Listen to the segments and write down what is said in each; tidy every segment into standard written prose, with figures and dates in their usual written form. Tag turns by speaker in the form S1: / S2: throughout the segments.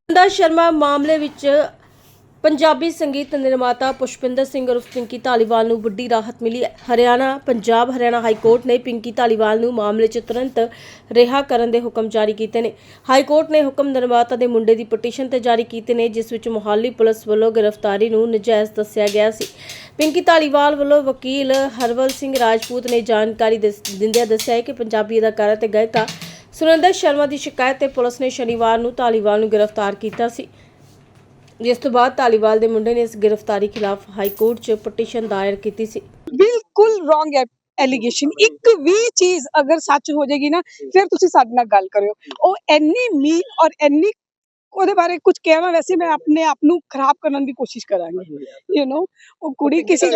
S1: ਸੁਨੰਦਾ ਸ਼ਰਮਾ ਮਾਮਲੇ ਵਿੱਚ ਪੰਜਾਬੀ ਸੰਗੀਤ ਨਿਰਮਾਤਾ ਪੁਸ਼ਪਿੰਦਰ ਸਿੰਘ ਉਰਫ ਪਿੰਕੀ ਧਾਲੀਵਾਲ ਨੂੰ ਵੱਡੀ ਰਾਹਤ ਮਿਲੀ ਹੈ। ਹਰਿਆਣਾ ਹਾਈ ਕੋਰਟ ਨੇ ਪਿੰਕੀ ਧਾਲੀਵਾਲ ਨੂੰ ਮਾਮਲੇ 'ਚ ਤੁਰੰਤ ਰਿਹਾ ਕਰਨ ਦੇ ਹੁਕਮ ਜਾਰੀ ਕੀਤੇ ਨੇ। ਹਾਈ ਕੋਰਟ ਨੇ ਹੁਕਮ ਨਿਰਮਾਤਾ ਦੇ ਮੁੰਡੇ ਦੀ ਪਟੀਸ਼ਨ ਤੇ ਜਾਰੀ ਕੀਤੇ ਨੇ, ਜਿਸ ਵਿੱਚ ਮੁਹਾਲੀ ਪੁਲਿਸ ਵੱਲੋਂ ਗ੍ਰਿਫਤਾਰੀ ਨੂੰ ਨਜਾਇਜ਼ ਦੱਸਿਆ ਗਿਆ ਸੀ। ਪਿੰਕੀ ਧਾਲੀਵਾਲ ਵੱਲੋਂ ਵਕੀਲ ਹਰਵਲ ਸਿੰਘ ਰਾਜਪੂਤ ਨੇ ਜਾਣਕਾਰੀ ਦਿੰਦਿਆਂ ਦੱਸਿਆ ਕਿ ਪੰਜਾਬੀ ਅਦਾਕਾਰਾ ਤੇ ਗਾਇਕਾ ਸੁਨੰਦਾ ਸ਼ਰਮਾ ਦੀ ਸ਼ਿਕਾਇਤ ਤੇ ਪੁਲਿਸ ਨੇ ਸ਼ਨੀਵਾਰ ਨੂੰ ਧਾਲੀਵਾਲ ਨੂੰ ਗ੍ਰਿਫਤਾਰ ਕੀਤਾ ਸੀ, ਜਿਸ ਤੋਂ ਬਾਅਦ ਧਾਲੀਵਾਲ ਦੇ ਮੁੰਡੇ ਨੇ ਇਸ ਗ੍ਰਿਫਤਾਰੀ ਖਿਲਾਫ ਹਾਈ ਕੋਰਟ 'ਚ ਪਟੀਸ਼ਨ ਦਾਇਰ ਕੀਤੀ ਸੀ।
S2: ਬਿਲਕੁਲ ਰੋਂਗ ਐਲੀਗੇਸ਼ਨ, ਇੱਕ ਵੀ ਚੀਜ਼ ਅਗਰ ਸੱਚ ਹੋ ਜਾਏਗੀ ਨਾ ਫਿਰ ਤੁਸੀਂ ਸਾਡੇ ਨਾਲ ਗੱਲ ਕਰਿਓ। ਉਹ ਇੰਨੀ ਮੀਨ ਔਰ ਇੰਨੀ ਉਹਦੇ ਬਾਰੇ ਕੁਝ ਕਹਿਣਾ, ਵੈਸੇ ਮੈਂ ਆਪਣੇ ਆਪ ਨੂੰ ਖਰਾਬ ਕਰਨ ਦੀ ਕੋਸ਼ਿਸ਼ ਕਰਾਂਗੀ। ਉਹ ਕੁੜੀ ਕਿਸੇ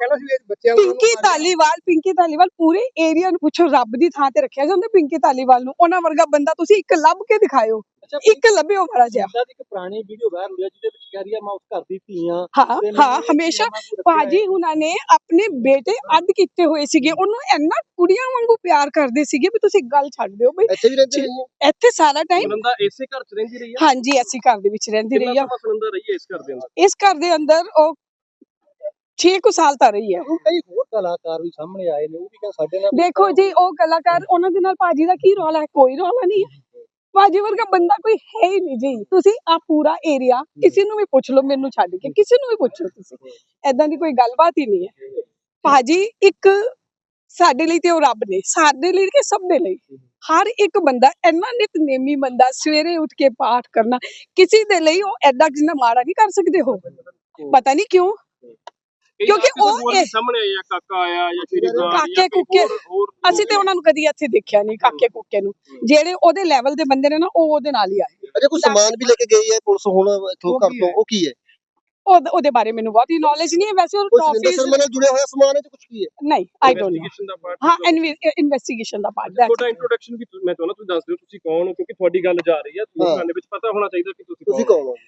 S2: ਪਿੰਕੀ ਧਾਲੀਵਾਲ ਪੂਰੇ ਏਰੀਆ ਨੂੰ ਪੁੱਛੋ, ਰੱਬ ਦੀ ਥਾਂ ਤੇ ਰੱਖਿਆ ਜਾਂਦਾ ਪਿੰਕੀ ਧਾਲੀਵਾਲ ਨੂੰ। ਉਹਨਾਂ ਵਰਗਾ ਬੰਦਾ ਤੁਸੀਂ ਇੱਕ ਲੱਭ ਕੇ ਦਿਖਾਇਓ, ਇੱਕ ਲੱਭਿਓ ਮਾੜਾ ਜਿਹਾ।
S3: ਇੱਕ ਪੁਰਾਣੀ ਵੀਡੀਓ ਵਾਇਰਲ ਹੋਈ ਜਿਹਦੇ ਵਿੱਚ ਕਹਿ ਰਹੀ ਹੈ ਮੈਂ ਉਸ ਘਰ ਦੀ ਧੀ ਹਾਂ।
S2: ਹਾਂ ਹਮੇਸ਼ਾ ਭਾਜੀ ਹੁਣਾਂ ਨੇ ਆਪਣੇ ਬੇਟੇ ਅੱਡ ਕੀਤੇ ਹੋਏ ਸੀਗੇ, ਉਹਨੂੰ ਇੰਨਾ ਕੁੜੀਆਂ ਵਾਂਗੂ ਪਿਆਰ ਕਰਦੇ ਸੀਗੇ ਵੀ ਤੁਸੀਂ ਗੱਲ ਛੱਡ ਦਿਓ ਬਈ।
S3: ਇੱਥੇ ਵੀ ਰਹਿੰਦੀ ਰਹੀ ਹੈ,
S2: ਇੱਥੇ ਸਾਰਾ ਟਾਈਮ
S3: ਸੁਨੰਦਾ ਇਸੇ ਘਰ 'ਚ ਰਹਿੰਦੀ ਰਹੀ ਹੈ।
S2: ਹਾਂਜੀ ਐਸੀ ਘਰ ਦੇ ਵਿੱਚ ਰਹਿੰਦੀ ਰਹੀ ਆ।
S3: ਸੁਨੰਦਾ ਰਹੀ ਹੈ ਇਸ ਘਰ ਦੇ ਅੰਦਰ?
S2: ਇਸ ਘਰ ਦੇ ਅੰਦਰ ਉਹ 6 ਕੁ ਸਾਲ ਤਾਂ ਰਹੀ ਹੈ।
S3: ਹੁਣ ਕਈ ਹੋਰ ਕਲਾਕਾਰ ਵੀ ਸਾਹਮਣੇ ਆਏ ਨੇ, ਉਹ ਵੀ ਸਾਡੇ ਨਾਲ
S2: ਦੇਖੋ ਜੀ, ਉਹ ਕਲਾਕਾਰ ਉਹਨਾਂ ਦੇ ਨਾਲ ਭਾਜੀ ਦਾ ਕੀ ਰੌਲਾ ਹੈ? ਕੋਈ ਰੌਲਾ ਨਹੀਂ ਹੈ। ਭਾਜੀ ਵਰਗਾ ਬੰਦਾ ਕੋਈ ਹੈ ਹੀ ਨਹੀਂ ਜੀ। ਤੁਸੀਂ ਆ ਪੂਰਾ ਏਰੀਆ ਕਿਸੇ ਨੂੰ ਵੀ ਪੁੱਛ ਲਓ, ਮੈਨੂੰ ਛੱਡ ਕੇ ਕਿਸੇ ਨੂੰ ਵੀ ਪੁੱਛੋ, ਤੁਸੀਂ ਏਦਾਂ ਦੀ ਕੋਈ ਗੱਲਬਾਤ ਹੀ ਨਹੀਂ ਹੈ। ਭਾਜੀ ਇੱਕ ਸਾਡੇ ਲਈ ਤੇ ਉਹ ਰੱਬ ਨੇ, ਸਾਡੇ ਲਈ ਕਿ ਸਭ ਦੇ ਲਈ। ਹਰ ਇੱਕ ਬੰਦਾ ਇੰਨਾ ਨਿਤਨੇਮੀ ਬੰਦਾ, ਸਵੇਰੇ ਉੱਠ ਕੇ ਪਾਠ ਕਰਨਾ, ਕਿਸੇ ਦੇ ਲਈ ਉਹ ਐਡਾ ਜਿੰਨਾ ਮਾੜਾ ਨਹੀਂ ਕਰ ਸਕਦੇ ਹੋ। ਪਤਾ ਨਹੀਂ ਕਿਉਂ, ਕਿਉਂਕਿ ਉਹ
S3: ਸਾਹਮਣੇ ਆਇਆ ਕਾਕਾ ਆਇਆ ਜਾਂ ਸ਼੍ਰੀ
S2: ਕਾਕੇ ਕੁੱਕੇ, ਅਸੀਂ ਤੇ ਉਹਨਾਂ ਨੂੰ ਕਦੀ ਇੱਥੇ ਦੇਖਿਆ ਨਹੀਂ। ਕਾਕੇ ਕੁੱਕੇ ਨੂੰ ਜਿਹੜੇ ਉਹਦੇ ਲੈਵਲ ਦੇ ਬੰਦੇ ਨੇ ਨਾ, ਉਹ ਉਹਦੇ ਨਾਲ ਹੀ ਆਏ।
S3: ਅਜੇ ਕੋਈ ਸਮਾਨ ਵੀ ਲੈ ਕੇ ਗਈ ਹੈ ਪੁਲਿਸ ਹੁਣ ਇੱਥੋਂ ਘਰ ਤੋਂ, ਉਹ ਕੀ ਹੈ?
S2: ਉਹਦੇ ਬਾਰੇ ਮੈਨੂੰ ਬਹੁਤੀ ਨੌਲੇਜ ਨਹੀਂ ਹੈ। ਵੈਸੇ ਉਹ
S3: ਸੁਨੰਦਾ ਸ਼ਰਮਾ ਨਾਲ ਜੁੜਿਆ ਹੋਇਆ ਸਮਾਨ ਹੈ ਤੇ ਕੁਝ ਕੀ ਹੈ?
S2: ਨਹੀਂ, ਆਈ ਡੋਨਟ ਨੋ। ਹਾਂ, ਇਨਵੈਸਟੀਗੇਸ਼ਨ ਦਾ ਪਾਰਟ ਹੈ।
S3: ਤੁਹਾਡਾ ਇੰਟਰੋਡਕਸ਼ਨ ਵੀ ਮੈਂ ਚਾਹੁੰਦਾ ਤੁਸੀਂ ਦੱਸ ਦਿਓ, ਤੁਸੀਂ ਕੌਣ ਹੋ? ਕਿਉਂਕਿ ਤੁਹਾਡੀ ਗੱਲ ਜਾ ਰਹੀ ਹੈ, ਲੋਕਾਂ ਦੇ ਵਿੱਚ ਪਤਾ ਹੋਣਾ ਚਾਹੀਦਾ ਕਿ ਤੁਸੀਂ ਕੌਣ ਹੋ।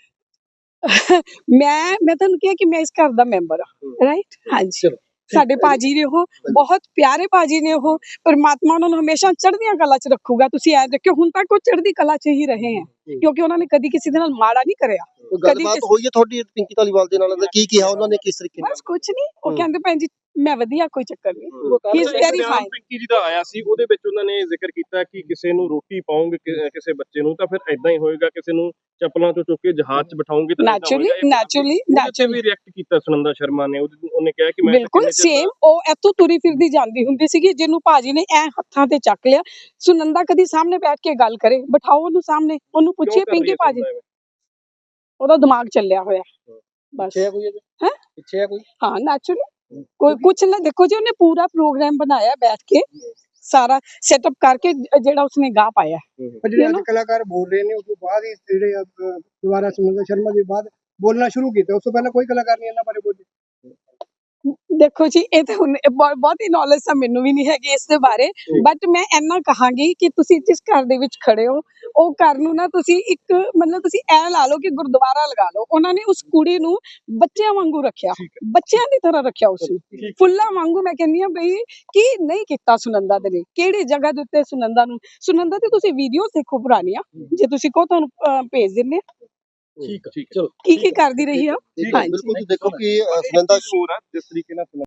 S2: ਮੈਂ ਤੁਹਾਨੂੰ ਕਿਹਾ ਕਿ ਮੈਂ ਇਸ ਘਰ ਦਾ ਮੈਂਬਰ ਹਾਂ, ਰਾਈਟ? ਹਾਂਜੀ, ਸਾਡੇ ਭਾਜੀ ਨੇ ਉਹ ਬਹੁਤ ਪਿਆਰੇ ਭਾਜੀ ਨੇ ਉਹ। ਪਰਮਾਤਮਾ ਉਹਨਾਂ ਨੂੰ ਹਮੇਸ਼ਾ ਚੜ੍ਹਦੀਆਂ ਕਲਾ 'ਚ ਰੱਖੂਗਾ। ਤੁਸੀਂ ਐ ਦੇਖਿਓ, ਹੁਣ ਤੱਕ ਉਹ ਚੜ੍ਹਦੀ ਕਲਾ 'ਚ ਹੀ ਰਹੇ ਹੈ, ਕਿਉਂਕਿ ਉਹਨਾਂ ਨੇ ਕਦੀ ਕਿਸੇ ਦੇ ਨਾਲ ਮਾੜਾ ਨਹੀਂ ਕਰਿਆ।
S3: ਗੱਲਬਾਤ ਹੋਈ ਹੈ ਤੁਹਾਡੀ ਪਿੰਕੀ ਧਾਲੀਵਾਲ ਦੇ ਨਾਲ? ਕੀ ਕਿਹਾ ਉਹਨਾਂ ਨੇ, ਕਿਸ ਤਰੀਕੇ ਨਾਲ?
S2: ਬਸ ਕੁਝ ਨਹੀਂ, ਉਹ ਕਹਿੰਦੇ ਭੈਣ ਜੀ ਮੈਂ ਵਧੀਆ, ਕੋਈ ਚੱਕਰ ਨਹੀਂ। He is very fine.
S3: Pinky ji ਦਾ ਆਇਆ ਸੀ, ਉਹਦੇ ਵਿੱਚ ਉਹਨਾਂ ਨੇ ਜ਼ਿਕਰ ਕੀਤਾ ਕਿ ਕਿਸੇ ਨੂੰ ਰੋਟੀ ਪਾਉਂਗੇ, ਕਿਸੇ ਬੱਚੇ ਨੂੰ ਤਾਂ ਫਿਰ ਐਦਾਂ ਹੀ ਹੋਏਗਾ, ਕਿਸੇ ਨੂੰ ਚੱਪਲਾਂ ਤੋਂ ਚੁੱਕ ਕੇ ਜਹਾਜ਼ 'ਚ ਬਿਠਾਉਂਗੇ ਤਾਂ
S2: ਨੈਚੁਰਲੀ
S3: ਵੀ ਰਿਐਕਟ ਕੀਤਾ ਸੁਨੰਦਾ ਸ਼ਰਮਾ ਨੇ। ਉਹਨੇ ਕਿਹਾ ਕਿ ਮੈਂ
S2: ਬਿਲਕੁਲ ਸੇਮ, ਉਹ ਇੱਥੋਂ ਤੁਰੀ ਫਿਰਦੀ ਜਾਂਦੀ ਹੁੰਦੀ ਸੀਗੀ, ਜਿਹਨੂੰ ਭਾਜੀ ਨੇ ਐ ਹੱਥਾਂ ਤੇ ਚੱਕ ਲਿਆ। ਸੁਨੰਦਾ ਕਦੀ ਸਾਹਮਣੇ ਬੈਠ ਕੇ ਗੱਲ ਕਰੇ, ਬਿਠਾਓ ਉਹਨੂੰ ਸਾਹਮਣੇ, ਉਹਨੂੰ ਪੁੱਛੀਏ ਪਿੰਕੀ ਭਾਜੀ, ਉਹਦਾ ਦਿਮਾਗ ਚੱਲਿਆ ਹੋਇਆ ਬਸ। ਹੈ
S3: ਪਿੱਛੇ ਕੋਈ?
S2: ਹਾਂ, ਨੈਚੁਰਲੀ ਕੋਈ ਕੁਛ ਨਾ। ਦੇਖੋ ਜੀ, ਉਹਨੇ ਪੂਰਾ ਪ੍ਰੋਗਰਾਮ ਬਣਾਇਆ ਬੈਠ ਕੇ, ਸਾਰਾ ਸੈਟਅਪ ਕਰਕੇ, ਜਿਹੜਾ ਉਸਨੇ ਗਾ ਪਾਇਆ।
S4: ਜਿਹੜੇ ਅੱਜ ਕਲਾਕਾਰ ਬੋਲ ਰਹੇ ਨੇ, ਉਸ ਤੋਂ ਬਾਅਦ ਹੀ ਜਿਹੜੇ ਦੁਬਾਰਾ ਸੁਨੰਦਾ ਸ਼ਰਮਾ ਦੇ ਬਾਅਦ ਬੋਲਣਾ ਸ਼ੁਰੂ ਕੀਤਾ। ਉਸ ਤੋਂ ਪਹਿਲਾਂ ਕੋਈ ਕਲਾਕਾਰ ਨਹੀਂ ਇਹਨਾਂ ਬਾਰੇ ਬੋਲੇ।
S2: ਦੇਖੋ ਜੀ, ਇਹ ਤਾਂ ਹੁਣ ਬਹੁਤੀ ਨੌਲੇਜ ਤਾਂ ਮੈਨੂੰ ਵੀ ਨਹੀਂ ਹੈਗੀ ਇਸ ਦੇ ਬਾਰੇ, ਬਟ ਮੈਂ ਇੰਨਾ ਕਹਾਂਗੀ ਕਿ ਤੁਸੀਂ ਜਿਸ ਘਰ ਦੇ ਵਿੱਚ ਖੜੇ ਹੋ, ਉਹ ਘਰ ਨੂੰ ਨਾ ਤੁਸੀਂ ਇੱਕ ਮਤਲਬ ਤੁਸੀਂ ਐ ਲਾ ਲਓ ਕਿ ਗੁਰਦੁਆਰਾ ਲਗਾ ਲਓ। ਉਹਨਾਂ ਨੇ ਉਸ ਕੁੜੀ ਨੂੰ ਬੱਚਿਆਂ ਵਾਂਗੂ ਰੱਖਿਆ, ਬੱਚਿਆਂ ਦੀ ਤਰ੍ਹਾਂ ਰੱਖਿਆ ਉਸਨੂੰ, ਫੁੱਲਾਂ ਵਾਂਗੂ। ਮੈਂ ਕਹਿੰਦੀ ਹਾਂ ਬਈ ਕੀ ਨਹੀਂ ਕੀਤਾ ਸੁਨੰਦਾ ਦੇ ਲਈ, ਕਿਹੜੀ ਜਗ੍ਹਾ ਦੇ ਉੱਤੇ ਸੁਨੰਦਾ ਤੇ ਤੁਸੀਂ ਵੀਡੀਓ ਦੇਖੋ ਪੁਰਾਣੀਆਂ, ਜੇ ਤੁਸੀਂ ਕਹੋ ਤੁਹਾਨੂੰ ਭੇਜ ਦਿੰਦੇ ਆ।
S3: ਠੀਕ ਚਲੋ,
S2: ਕੀ ਕਰਦੀ ਰਹੀ ਆ।
S3: ਬਿਲਕੁਲ ਦੇਖੋ ਕਿ ਸੁਨੰਦਾ ਜਿਸ ਤਰੀਕੇ ਨਾਲ